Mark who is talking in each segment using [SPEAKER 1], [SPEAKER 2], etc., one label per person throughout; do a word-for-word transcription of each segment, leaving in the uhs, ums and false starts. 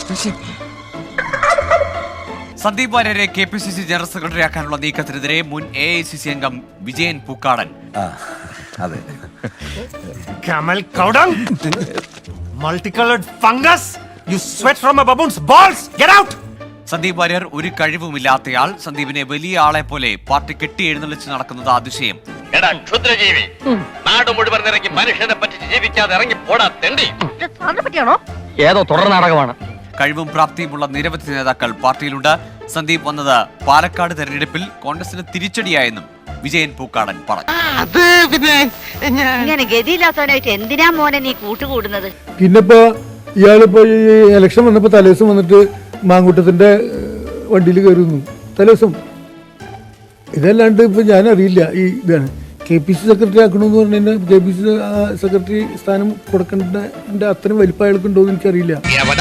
[SPEAKER 1] സന്ദീപ് വാര്യരെ K P C C general secretary ആക്കാനുള്ള നീക്കത്തിനെതിരെ മുൻ എ ഐ സി സി അംഗം വിജയൻ പൂക്കാടൻ.
[SPEAKER 2] അതെ.
[SPEAKER 3] Camel cow dung, multicolored fungus. You sweat from a baboon's balls. Get out.
[SPEAKER 1] Sandeep Warrier ഒരു കഴിവുമില്ലാത്തയാൾ. സന്ദീപിനെ വലിയ ആളെ പോലെ പാർട്ടി കെട്ടി എഴുന്നള്ളിച്ച് നടക്കുന്നത് അതിശയം.
[SPEAKER 4] എടാ ക്ഷുദ്രജീവി, നാട് മുഴുവൻ ഇറങ്ങി മനുഷ്യനെ പറ്റി ജീവിക്കാതെ ഇറങ്ങി പോടാ തെണ്ടി.
[SPEAKER 5] ഏതോ തുടർ നാടകമാണ്.
[SPEAKER 1] കഴിവും പ്രാപ്തിയുമുള്ള നിരവധി നേതാക്കൾ പാർട്ടിയിലുണ്ട്. സന്ദീപ് വന്നത് പാലക്കാട് തെരഞ്ഞെടുപ്പിൽ കോൺഗ്രസിന് തിരിച്ചടിയായെന്നും വിജയൻ പൂക്കാടൻ പറഞ്ഞു.
[SPEAKER 6] ഇങ്ങനെ ഗതിയില്ലാത്തവനായിട്ട് എന്തിനാ മോനെ നീ കൂട്ടുകൂടുന്നത്?
[SPEAKER 7] പിന്നിപ്പോ ഇയാളിപ്പോ ഈ ഇലക്ഷൻ വന്നപ്പോ തലേദിവസം വന്നിട്ട് മാങ്കൂട്ടത്തിന്റെ വണ്ടിയിൽ കയറുന്നു തലേദിവസം. ഇതല്ലാണ്ട് ഇപ്പൊ ഞാൻ അറിയില്ല. ഈ ഇതാണ് കെ പി സി സെക്രട്ടറി ആക്കണമെന്ന് പറഞ്ഞു കഴിഞ്ഞാൽ കെ പി സി സെക്രട്ടറി സ്ഥാനം കൊടുക്കേണ്ട അത്രയും വലിപ്പം അയാൾക്കുണ്ടോ എന്ന് എനിക്കറിയില്ല.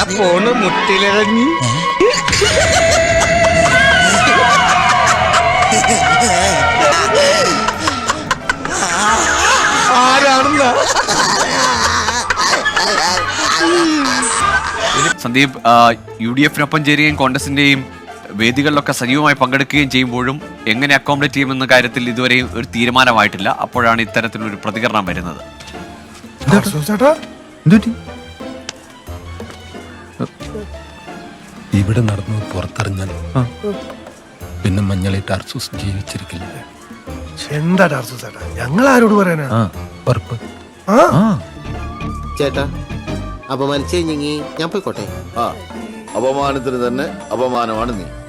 [SPEAKER 1] സന്ദീപ് യു ഡി എഫിനൊപ്പം ചേരുകയും കോൺഗ്രസിന്റെയും വേദികളിലൊക്കെ സജീവമായി പങ്കെടുക്കുകയും ചെയ്യുമ്പോഴും എങ്ങനെ അക്കോമഡേറ്റ് ചെയ്യുമെന്ന കാര്യത്തിൽ ഇതുവരെ ഒരു തീരുമാനമായിട്ടില്ല. അപ്പോഴാണ് ഇത്തരത്തിലൊരു പ്രതികരണം വരുന്നത്.
[SPEAKER 8] ഇവിടെ നടന്നു പുറത്തറിഞ്ഞാൽ പിന്നെ മഞ്ഞളിട്ട് അർസൂസ് ജീവിച്ചിരിക്കില്ല.
[SPEAKER 3] എന്താ ടാർസു ചേട്ടാ, ഞങ്ങൾ ആരോട് പറയാനാ?
[SPEAKER 9] ചേട്ടാ അപമാനിച്ചേ ഞാൻ പോയിക്കോട്ടെ.
[SPEAKER 2] ആ അപമാനത്തിന് തന്നെ അപമാനമാണ് നീ.